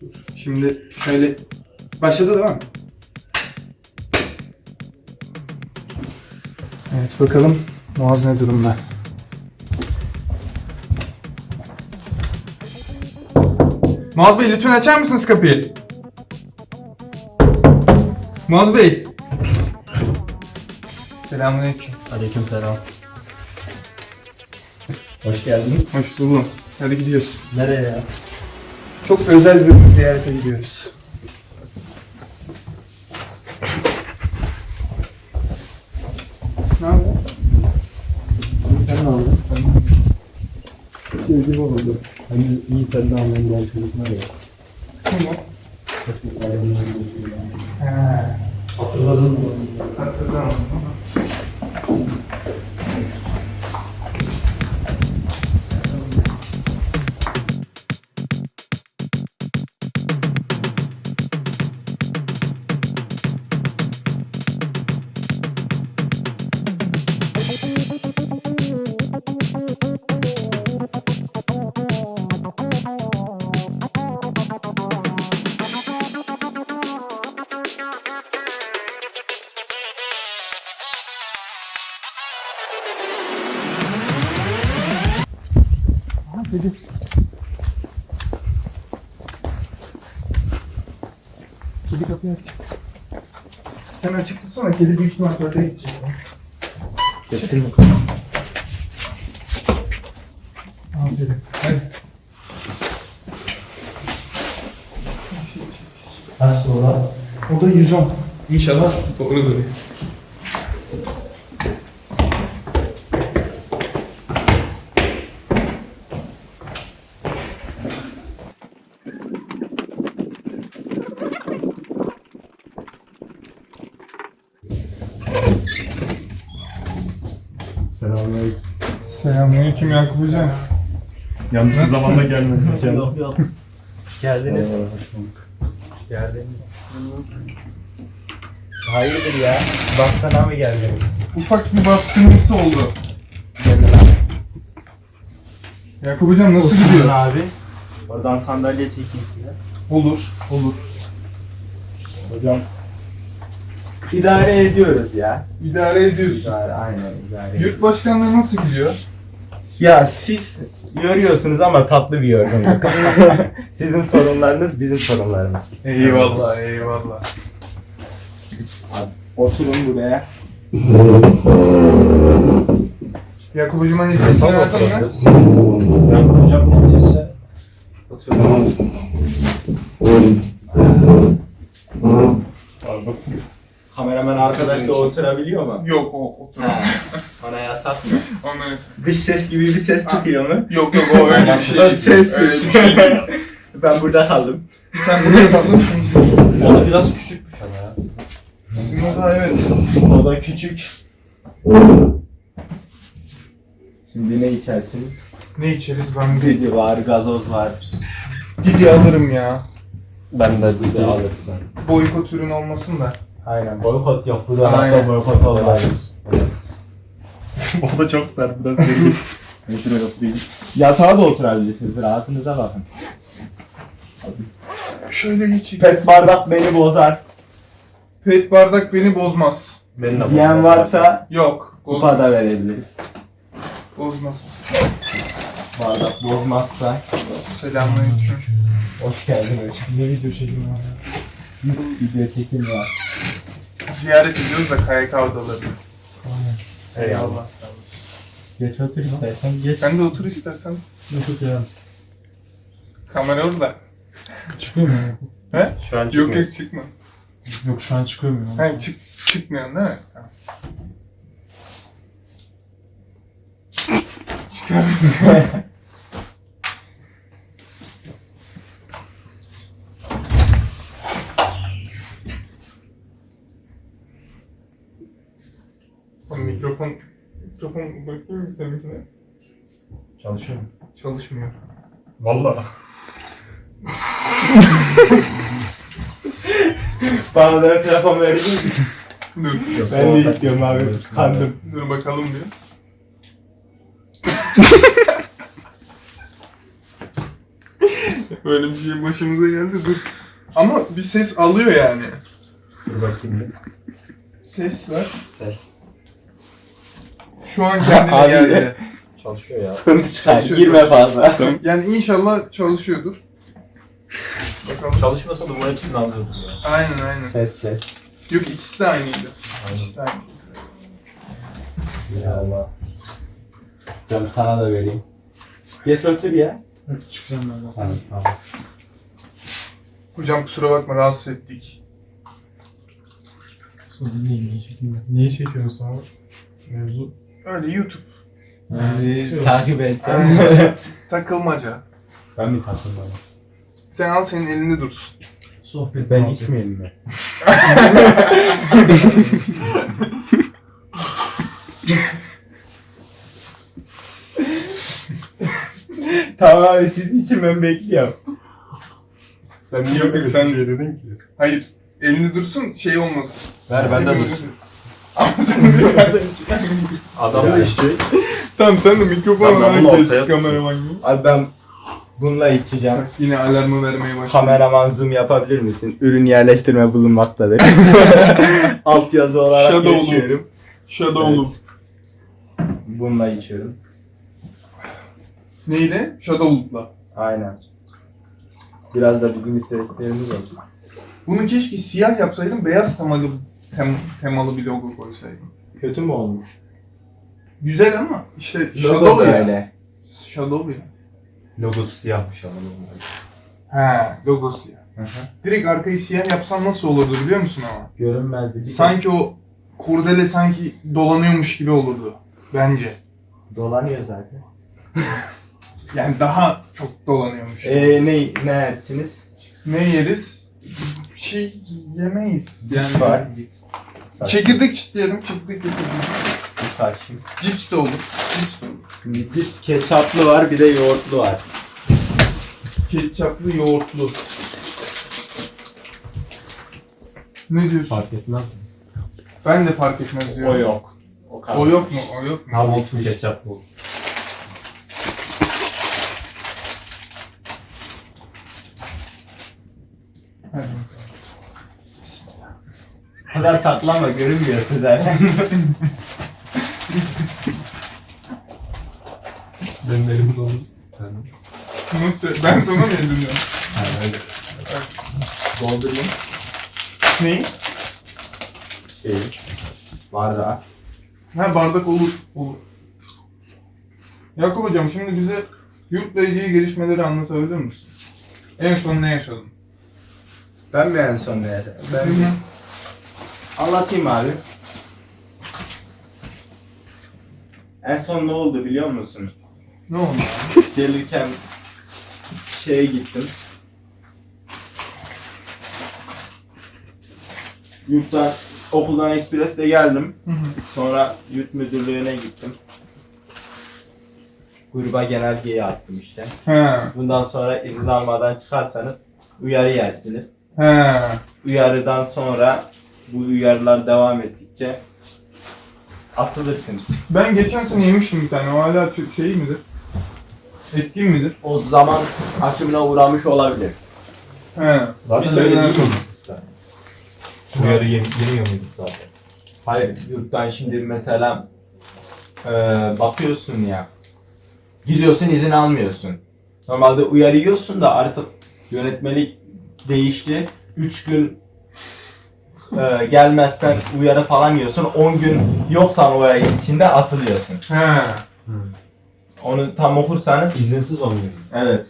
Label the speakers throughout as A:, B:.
A: Şimdi şöyle başladı değil mi? Evet bakalım Muaz ne durumda? Muaz Bey lütfen açar mısınız kapıyı? Muaz Bey. Selamünaleyküm.
B: Aleykümselam. Hoş geldin.
A: Hoş buldum. Hadi gidiyoruz.
B: Nereye ya?
A: Çok özel bir ziyarete gidiyoruz. Ne yapıyorsun?
B: Sen ne aldın? Şey gibi oldu. Hani iyi sen de anlayın da çocuklar ya.
A: Kim o?
B: Hatırladın mı?
A: Hatırlamadım. Kedi. Kedi kapıyı açacak. Sen açık tutsana, kedi büyük ihtimal tuvalete gidecek.
B: Geçtin mi?
A: Aferin. Hadi.
B: Kaç sonra?
A: O da 110. İnşallah doğru görüyor.
B: Selamünaleyküm.
A: Selamünaleyküm Yakup Hocam.
B: Yanlış bir zamanda gelmedim.
C: Geldiniz.
B: Hoş bulduk.
C: Geldiniz. Hayırdır ya? Baskana mı geldiniz?
A: Ufak bir baskınlısı oldu. Yakup Hocam nasıl
C: Oturun
A: gidiyor?
C: abi. Oradan sandalye çekeyim size.
A: Olur, olur.
C: Hocam. İdare ediyoruz ya.
A: İdare ediyorsun.
C: Aynen idare ediyoruz.
A: Yurt başkanlığı nasıl gidiyor?
C: Ya siz yoruyorsunuz ama tatlı bir yorgunluk. Sizin sorunlarınız bizim sorunlarımız.
A: Eyvallah, eyvallah.
C: Abi, oturun buraya.
A: Yakup Hocam'a hediyesini verdin mi?
B: Ben hocam neredeyse
C: Oturun.
B: pardon.
C: Kameraman arkadaş da oturabiliyor mu?
A: Yok, o otur.
C: Ha, ona yasak mı?
A: Ondan neyse.
C: Dış ses gibi bir ses çıkıyor mu?
A: Yok yok, o öyle bir şey
C: Bu da
A: değil.
C: ses
A: Öyle bir
C: ses.
A: şey değil.
C: Ben burada kaldım.
A: Sen buraya kaldın.
B: O da biraz küçükmüş ama ya.
A: Sizin o da evet.
C: O da küçük. Şimdi ne içersiniz?
A: Ne içeriz ben de?
C: Didi var, gazoz var.
A: Didi alırım ya.
B: Ben de bir alırsın.
A: Boykot ürün olmasın da.
C: Aynen. Boykot yok. Bu da
A: Aynen.
C: hatta boykot olarak.
B: O da çok dar biraz değil.
C: Şuraya oturayım. Yatağa da oturabilirsiniz. Rahatınıza bakın.
A: Şöyle geçeyim.
C: Pet bardak beni bozar.
A: Pet bardak beni bozmaz.
B: Benim de
C: Diyen varsa
A: Yok.
C: kupa da verebiliriz.
A: Bozmaz.
C: Bardak bozmazsa.
A: Selamünaleyküm.
C: Hoş geldin hocam.
B: Ne video çekim var ya?
C: Video çekim var.
A: Ziyaret ediyoruz da KYK odalarını. Eyvallah. Sağ olasın.
C: Geç otur istersen geç.
A: Sen de otur istersen.
B: Nasıl ya?
A: Kamera orada.
B: Çıkıyor mu?
A: He?
B: Şu an
A: Yok yok çıkma.
B: Yok şu an çıkıyor mu?
A: He çıkmıyorsun değil mi? Tamam. Çıkar. Mikrofon bakayım mı seninkine?
B: Çalışıyor mu?
A: Çalışmıyor.
B: Valla.
C: Bana da telefon verir misin?
A: Dur.
C: Ben de istiyorum abi. Kıskandım.
A: Dur bakalım diyor. Böyle bir şey başımıza geldi dur. Ama bir ses alıyor yani.
B: Dur bakayım bir.
A: Ses var.
B: Ses.
A: Şu an kendine
C: Abi.
A: geldi.
B: Çalışıyor ya.
C: Sıkıntı çıkar.
A: Çalışıyor,
C: Girme
A: çalışıyor.
C: fazla.
A: Yani inşallah çalışıyordur. Bakalım.
B: Çalışmasa da bu hepsini alıyordum ya.
A: Aynen.
C: Ses.
A: Yok ikisi de aynıydı.
B: Aynen.
A: İkisi de aynıydı.
C: Ya Allah. Canım sana da vereyim. Geç otur ya.
B: Çıkacağım ben de.
C: Tamam.
A: Hocam kusura bakma rahatsız ettik.
D: Sorun değil diyecektim ben. Niye çekiyorsun abi? Mevzu.
A: Öyle YouTube.
C: Bizi takip edeceğim.
A: Aynen. Takılmaca.
C: Ben mi takılmadım?
A: Sen al senin elinde dursun.
D: Sohbet
C: Ben
D: muhabbet.
C: içmeyeyim mi? Tamam abi siz için ben bekliyorum.
B: Sen
A: Yok, sen
B: niye dedin ki?
A: Hayır. Elinde dursun şey olmasın.
B: Ver bende
A: Hepimiz-
B: dursun.
A: Ama sen bir tane
B: Adam da içecek.
A: Tamam sen de mikrofon
B: Tamam, bunu
A: olarak
B: ortaya
A: geç kameraman gibi.
C: Abi ben bununla içeceğim.
A: Yine alarmı vermeye başladı.
C: Kameraman zoom yapabilir misin? Ürün yerleştirme bulunmaktadır. Alt yazı olarak
A: Shadow'lu.
C: geçiyorum.
A: Shadow'lu.
C: Bununla içiyorum.
A: Neyle? Shadow'lukla.
C: Aynen. Biraz da bizim istediklerimiz olsun.
A: Bunu keşke siyah yapsaydım, beyaz temalı bir logo koysaydım.
C: Kötü mü olmuş?
A: Güzel ama işte
C: Logo
A: Shadow ya.
C: böyle.
A: Shadow ya.
B: Logosu siyahmış ama normal.
A: He, logosu ya.
C: Hı hı.
A: Direkt arkayı siyah yapsan nasıl olurdu biliyor musun ama?
C: Görünmezdi. Bir
A: Sanki o kurdele sanki dolanıyormuş gibi olurdu. Bence.
C: dolanıyor zaten.
A: Yani daha çok dolanıyormuş.
C: Ne yersiniz?
A: Ne yeriz? Bir şey yemeyiz.
C: Yani var.
A: Çekirdek çitleyelim, çekirdek getirdim.
C: Bir saçım.
A: Cips de olur. Cips de olur.
C: Bir ketçaplı var, bir de yoğurtlu var.
A: Ketçaplı, yoğurtlu. Ne diyorsun?
B: Fark etmez.
A: Ben de fark etmez diyorum.
C: O yok. O kadar.
A: O yok mu? O yok mu?
B: Abi ismi ketçap bu.
A: Hadi bakalım.
C: O kadar saklama, görünmüyorsun zaten.
B: Benim elim dolu. Sen
A: Nasıl? Ben sana mı yediriyorum?
B: Ha öyle.
C: Doldurayım.
A: Neyi?
C: Şeyi. Bardağı.
A: Ha bardak olur. Olur. Yakup hocam şimdi bize yurtla ilgili gelişmeleri anlatabilir misin? En son ne yaşadın?
C: Ben mi en son ne yaşadım? Ben
A: Hı.
C: anlatayım abi. En son ne oldu biliyor musun?
A: Ne oldu?
C: Gelirken şeye gittim. Yurttan, okuldan ekspresle geldim.
A: Hı hı.
C: Sonra yurt müdürlüğüne gittim. Gruba genelgeyi attım işte.
A: He.
C: Bundan sonra izin almadan çıkarsanız uyarı yersiniz.
A: He.
C: Uyarıdan sonra bu uyarılar devam ettikçe atılırsınız.
A: Ben geçen sene yemiştim bir tane. O hala şey midir? Etkin midir?
C: O zaman aşımına uğramış olabilir.
A: He.
B: Zaten
A: Bir
B: öyle
A: seneler
B: değil
A: sonra.
B: mi sistem? Uyarı yemiyor muyduk zaten?
C: Hayır, yurttan şimdi mesela bakıyorsun ya, gidiyorsun izin almıyorsun. Normalde uyarı yiyorsun da artık yönetmelik değişti. 3 gün gelmezsen uyarı falan yiyorsun. 10 gün yoksan o ay içinde atılıyorsun.
A: He.
C: Onu tam okursanız
B: İzinsiz olmuyor.
C: evet.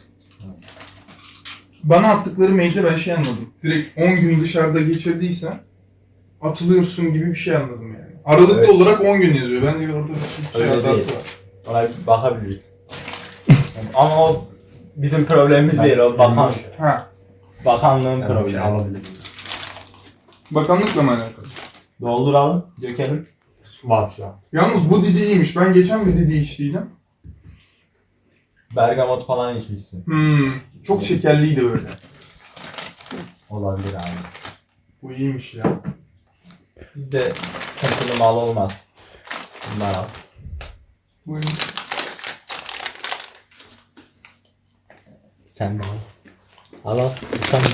A: Bana attıkları mailde ben şey anladım. Direkt 10 gün dışarıda geçirdiysen atılıyorsun gibi bir şey anladım yani. Aralıklı
C: Evet.
A: olarak 10 gün yazıyor. Bence orada bir şey
C: Öyle
A: hatası
C: değil.
A: var.
C: Ona bir bakabiliriz. Ama o bizim problemimiz değil. O
A: Ha.
C: bakanlığın
B: Yani bir şey
C: problemi.
B: alabilirim.
A: Bakanlıkla mı alakalı?
C: Dolduralım, dökelim.
B: Var şu an.
A: Yalnız bu Didi iyiymiş. Ben geçen bir Didi içtiydim.
C: Bergamot falan içmişsin.
A: Çok şekerliydi böyle.
C: Olabilir abi.
A: Bu iyiymiş ya.
C: Bizde sıkıntılı mal olmaz. Bunlar al.
A: Bu iyiymiş.
C: Sen de al. Al al. Tamam.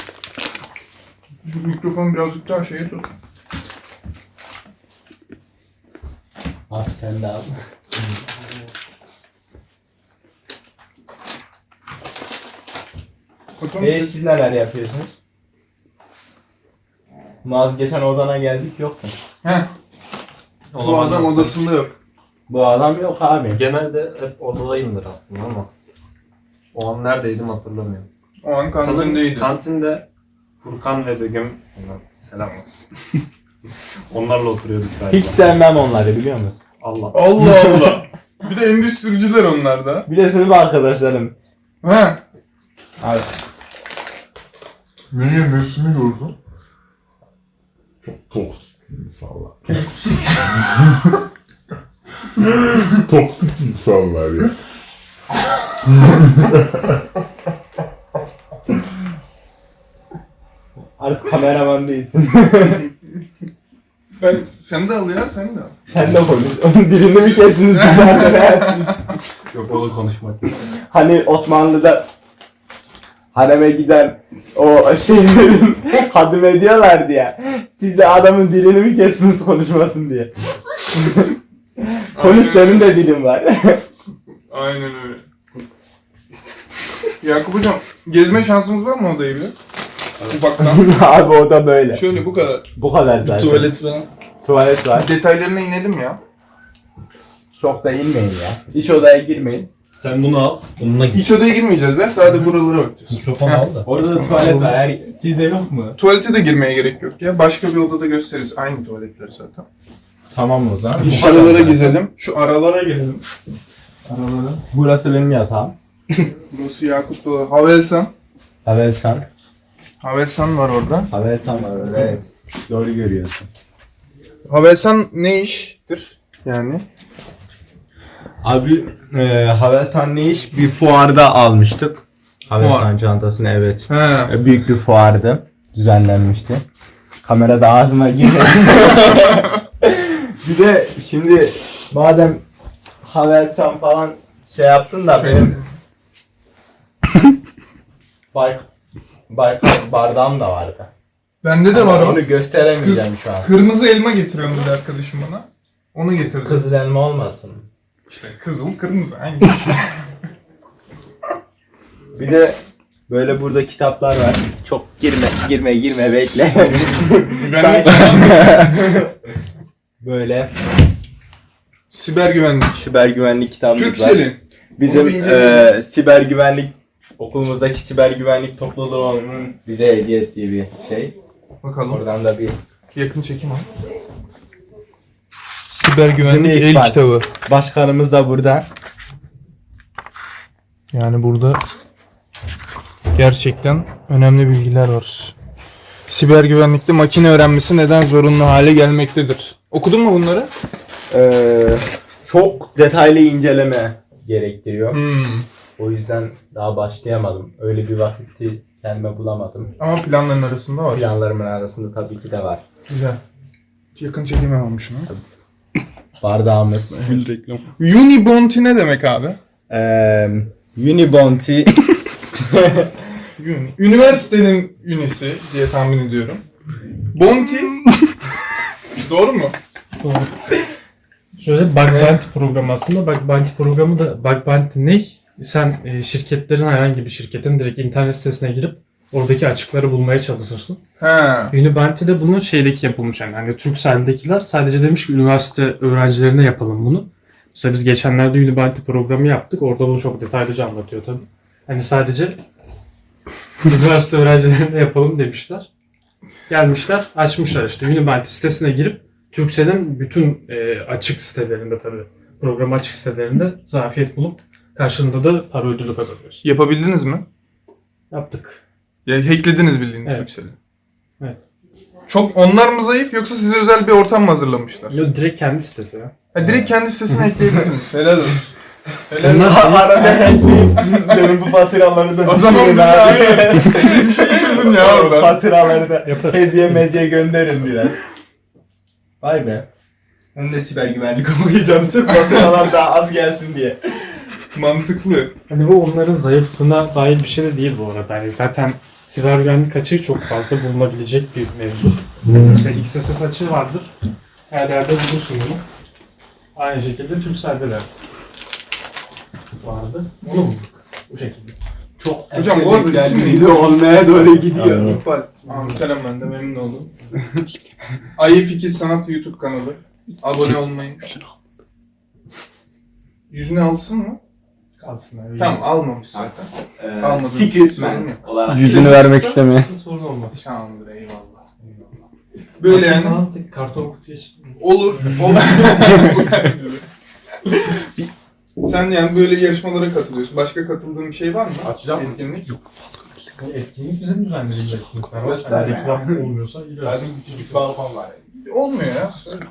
A: Şu mikrofonu birazcık daha şeye tut.
C: Abi sen de al.
A: Bakalım siz-
C: Siz neler yapıyorsunuz? Maz geçen odana geldik yoktun.
A: Heh. Bu adam odasında yok.
C: Bu adam yok abi.
B: Genelde hep odadayımdır aslında ama o an neredeydim hatırlamıyorum.
A: O an
B: Sanırım
A: kantindeydi.
B: kantinde Furkan ve Begüm, ondan selam olsun. Onlarla oturuyorduk galiba.
C: Hiç sevmem onları biliyor musun?
B: Allah.
A: Allah Allah. Bir de endüstriciler onlar da.
C: Bir de sınıf arkadaşlarım.
A: He.
C: Abi.
E: Niye nesini gördün? Çok toksik insanlar. Toksik insanlar ya.
C: Artık kameraman değilsin.
A: Sen de al ya, sen de al.
C: Sen de konuş. Onun dilini mi kestiniz dışarıda?
B: Yok onu konuşmak yok.
C: Hani Osmanlı'da hareme giden o şeylerin hadım ediyorlardı ya. Siz de adamın dilini mi kestiniz konuşmasın diye. Konuş senin de dilin var.
A: Aynen öyle. Yakup hocam, gezme şansımız var mı odayı bile? Ufaktan.
C: Abi o da böyle.
A: Şöyle bu kadar.
C: Bu kadar zaten.
A: falan.
C: Tuvalet var.
A: Detaylarına inelim ya.
C: Çok da inmeyin ya. İç odaya girmeyin.
B: Sen bunu al, bununla git.
A: İç odaya girmeyeceğiz ya, sadece buralara bakacağız.
B: Mikrofon al da.
C: Orada da tuvalet var. Sizde yok mu?
A: Tuvalete de girmeye gerek yok ya. Başka bir odada gösteririz. Aynı tuvaletleri zaten.
C: Tamam o zaman.
A: Şu aralara gezelim. Şu aralara gelelim. Aralara.
C: Burası benim yatağım.
A: Burası Yakup Doğa. Havelsan.
C: Havelsan.
A: Havelsan var orada.
C: Havelsan var orada evet. Doğru görüyorsun.
A: Havelsan ne iştir? Yani.
C: Abi Havelsan ne iş? Bir fuarda almıştık. Havelsan
A: Fuar.
C: çantasını evet.
A: He.
C: Büyük bir fuardı. Düzenlenmişti. Kamerada ağzıma girmesin. Bir de şimdi madem Havelsan falan şey yaptın da benim Baykal bardağım da vardı.
A: Bende de var o.
C: Onu gösteremeyeceğim şu an.
A: Kırmızı elma getiriyorum dedi arkadaşım bana. Onu getirdi.
C: Kızıl elma olmasın.
A: İşte kızıl kırmızı aynı.
C: Bir de böyle burada kitaplar var. Çok girme bekle. Böyle
A: Siber güvenlik.
C: siber güvenlik kitabımız var.
A: Türksel'in.
C: Bizim
A: Onu bir inceleyelim.
C: siber güvenlik okulumuzdaki siber güvenlik topluluğunun bize hediye ettiği bir şey.
A: Bakalım.
C: Oradan da bir
A: Yakın çekim al. Siber güvenlik
C: Dinleyiş
A: el
C: var.
A: kitabı.
C: başkanımız da burada.
A: Yani burada gerçekten önemli bilgiler var. Siber güvenlikte makine öğrenmesi neden zorunlu hale gelmektedir? Okudun mu bunları?
C: Çok detaylı inceleme gerektiriyor.
A: Hmm.
C: O yüzden daha başlayamadım. Öyle bir vakti kendime bulamadım.
A: Ama planların arasında var.
C: Planlarımın arasında tabii ki de var.
A: Güzel. Yakın çekim almış şunu.
C: Bardağımız.
A: reklam. Unibounty ne demek abi?
C: Unibounty.
A: Üniversitenin ünisi diye tahmin ediyorum. Bounty. Doğru mu?
D: Şöyle Bug Bounty programı aslında. Bug Bounty programı da Bug Bounty ne? Sen şirketlerin herhangi bir şirketin direkt internet sitesine girip oradaki açıkları bulmaya çalışırsın.
A: Ha.
D: Unibounty'de bunun şeydeki yapılmış yani. Hani Turkcell'dekiler sadece demiş ki üniversite öğrencilerine yapalım bunu. Mesela biz geçenlerde Unibounty programı yaptık. Orada bunu çok detaylıca anlatıyor tabii. Hani sadece üniversite öğrencilerine yapalım demişler. Gelmişler, açmışlar işte Unibounty sitesine girip Turkcell'in bütün açık sitelerinde tabii program açık sitelerinde zafiyet bulup karşılığında da para ödülü kazanıyorsun.
A: Yapabildiniz mi?
D: Yaptık.
A: Ya hacklediniz bildiğiniz
D: Evet.
A: Turkcell'i.
D: Evet.
A: Çok onlar mı zayıf yoksa size özel bir ortam mı hazırlamışlar?
D: Yo, direkt kendi sitesi ya.
A: Ha, direkt kendi sitesine hackleyebilirdiniz. Helal olsun. Helal
D: Onlar
A: olsun.
C: Arada benim bu faturaları da
A: O zaman
C: düşünün
A: bize
C: abi.
A: aynı bir şey çözün ya oradan.
C: Faturaları da
D: Yaparız.
C: hediye medya gönderin biraz. Vay be. Ben de siber güvenlik okuyacağım sırf faturalar daha az gelsin diye.
A: Mantıklı.
D: Hani bu onların zayıflığına dair bir şey de değil bu arada. Yani zaten siber güvenlik açığı çok fazla bulunabilecek bir mevzu. Mesela XSS açığı vardır. Her yerde bulursun bunu. Aynı şekilde Turkcell'de de vardı. Onu bulduk. Bu şekilde.
C: Çok
A: Hocam bu arada isim neydi?
C: video olmaya doğru gidiyor.
B: Aynen.
A: İkbal. Kerem ben de memnun oldum. Ayı Fikir Sanat YouTube kanalı. Abone olmayı. Yüzüne alsın mı?
D: Kalsın abi.
A: Tamam almamış zaten. Almadım.
C: Secret
A: Sorun
C: Man
A: yok.
C: olarak.
B: Yüzünü vermek istemiyor.
D: Sorun olmaz.
A: Tamamdır eyvallah. Böyle
D: Aslında
A: yani
D: falan tek karton kutuya
A: olur. Sen yani böyle yarışmalara katılıyorsun. Başka katıldığın bir şey var mı?
C: Açacağım mı?
A: Etkinlik.
D: etkinlik bizim düzenlediğimiz etkinlikler var.
C: Gösterme.
D: Yani reklam olmuyorsa gidiyoruz.
C: Küçücük balkon var.
A: Olmuyor ya.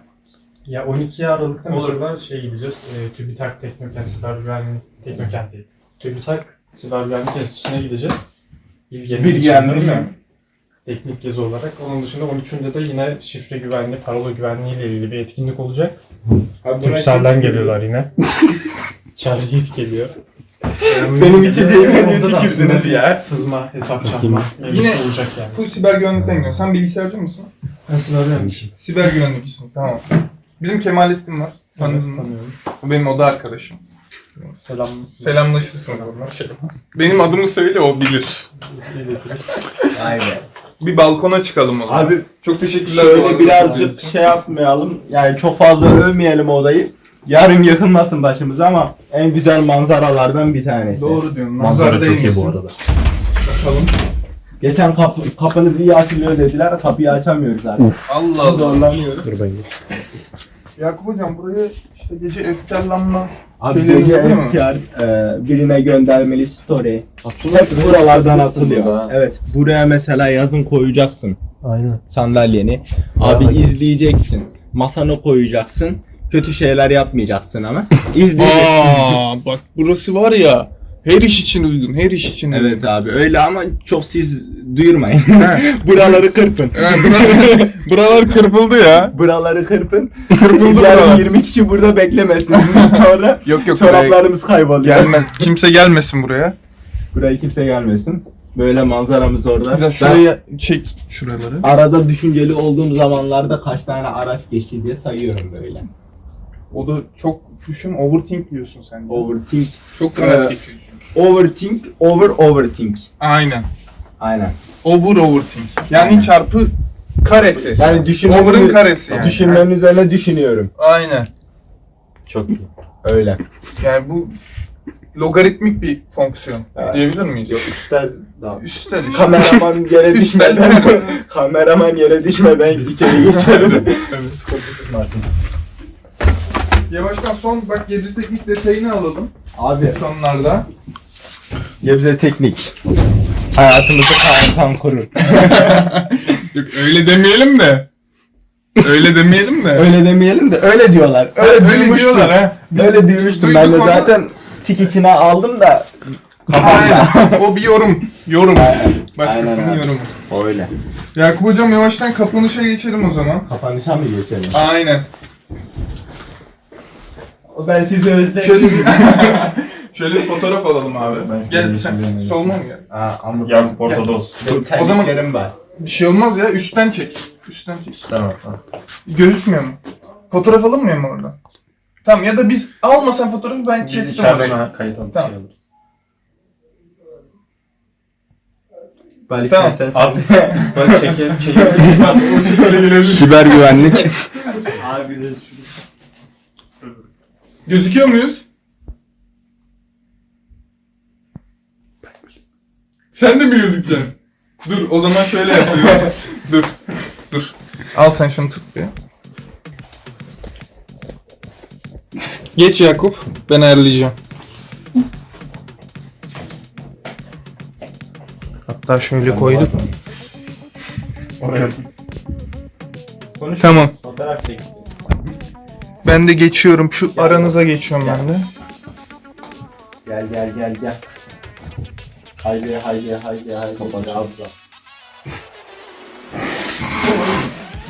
D: Ya 12 Aralık'ta
C: Olur.
D: mesela gideceğiz. TÜBİTAK Teknokent Siber Güvenlik Teknokent değil. TÜBİTAK Siber Güvenlik Enstitüsü'ne gideceğiz. Bilge'nin
C: Bilge'nin
D: içinde
C: değil mi?
D: Teknik gezi olarak. Onun dışında 13'ünde de yine şifre güvenliği, parola güvenliği ile ilgili bir etkinlik olacak. Turkcell'den geliyorlar yine. Chargeit geliyor.
C: Benim için değil, beni
D: Onda da
C: tükürdünüz
D: aslında
C: ya.
D: Sızma, hesap çarpma mevzusu
A: Yine
D: olacak yani.
A: full siber güvenlikten gidiyorsun. Sen bilgisayarcı mısın?
D: Nasıl öğrenmişim?
A: Siber güvenlikçisin. Tamam. Bizim Kemalettin var. Tanıdın mı?
D: Tanıyorum.
A: O benim oda arkadaşım.
D: Selam.
A: Selamlaşırsın onunla. Benim adımı söyle o bilir.
D: İletiriz.
C: Aynen.
A: Bir balkona çıkalım o zaman.
C: Abi
A: Çok teşekkürler. bu
C: şöyle
A: arada.
C: birazcık şey yapmayalım. Yani çok fazla övmeyelim odayı. Yarın yıkılmasın başımıza ama en güzel manzaralardan bir tanesi.
A: Doğru diyorsun.
B: Manzara
A: Nazar
B: çok iyi
A: değmesin.
B: bu arada.
A: Bakalım.
C: Geçen kapınızı iyi açılıyor dediler. Kapıyı açamıyoruz artık.
A: Allah Allah.
C: Zorlanıyoruz.
B: Dur ben
A: Yakup hocam buraya işte gece efkarlanma
C: Abi
A: şeyleri
C: gece
A: oluyor mu?
C: FPR birine göndermeli story. Hep buralardan atılıyor. Evet. Buraya mesela yazın koyacaksın
B: Aynen.
C: sandalyeni. Abi izleyeceksin. Masanı koyacaksın. Kötü şeyler yapmayacaksın ama. İzleyeceksin.
A: Bak burası var ya her iş için uygun, her iş için uygun.
C: Evet abi öyle ama çok siz duyurmayın. Buraları kırpın.
A: Buralar kırpıldı ya.
C: Buraları kırpın.
A: Kırpıldı
C: Yarın
A: buralar.
C: 20 kişi burada beklemesin. Sonra
A: Yok yok
C: çoraplarımız kayboluyor.
A: gelmez. Kimse gelmesin buraya.
C: Buraya kimse gelmesin. Böyle manzaramız orada.
A: Biraz şuraya çek şuraları.
C: Arada düşünceli olduğum zamanlarda kaç tane araç geçti diye sayıyorum böyle.
A: O da çok düşün, overthink diyorsun sen.
C: Overthink.
A: Çok araç geçiyor çünkü.
C: Overthink, overthink.
A: Aynen.
C: Aynen.
A: Overthink. Yani
C: Aynen.
A: çarpı karesi.
C: Yani
A: Over'ın karesi yani.
C: Düşünmenin üzerine düşünüyorum.
A: Aynen.
C: Çok iyi. Öyle.
A: Yani bu logaritmik bir fonksiyon
C: Evet.
A: diyebilir miyiz?
B: Üstel daha.
A: Üstel işte.
C: Kameraman yere
A: Üstel.
C: düşmeden kameraman yere düşmeden içeri geçelim.
A: Yavaştan son bak Gebze Teknik detayını alalım
C: Abi
A: sonlarda.
C: Gebze Teknik. Hayatımızı sağlıktan korur.
A: Yok öyle demeyelim de. Öyle demeyelim de.
C: Öyle demeyelim de öyle diyorlar.
A: öyle
C: duymuştum.
A: diyorlar ha. Biz
C: Öyle duymuştum. Ben de
A: duyduk onu.
C: zaten tik içine aldım da
A: Aynen. O bir yorum. Yorum.
C: Aynen.
A: Başkasının
C: Aynen abi.
A: yorumu.
C: Öyle.
A: Yakup hocam yavaştan kapanışa geçelim o zaman.
C: Kapanışa mı geçelim?
A: Aynen.
C: Ben sizi özledim.
A: Şöyle bir şöyle bir fotoğraf alalım abi.
B: Ben
A: Gel
B: kendimi
A: sen
B: seviyorum.
A: solma mı gel?
C: Aa, ama
B: Yan Ortodoks.
C: benim
A: O zaman-
C: terliklerim var.
A: Bir şey olmaz ya üstten çek. Üstten çek.
B: Tamam.
A: Gözükmüyor mu? Fotoğraf alınmıyor mu oradan? Tamam ya da biz almasan fotoğrafı ben
B: Biz
A: kestim orayı.
B: içeriden kayıt alıp
A: Tamam.
B: şey alırız.
C: Balik
A: Tamam.
C: sen.
B: Abi ben çekelim.
A: O şekilde gelebilir.
C: Siber güvenlik. Abi
A: Gözüküyor muyuz? Sen de mi gözükeceksin? Dur o zaman şöyle yapıyoruz. Dur. Al sen şunu tut bir. Geç Yakup. Ben ayarlayacağım. Hatta şöyle koyduk.
B: Oraya
A: Tamam.
C: Fotoğraf çek.
A: Ben de geçiyorum. Şu aranıza geçiyorum ben de.
C: Gel. Haydi. Kapat.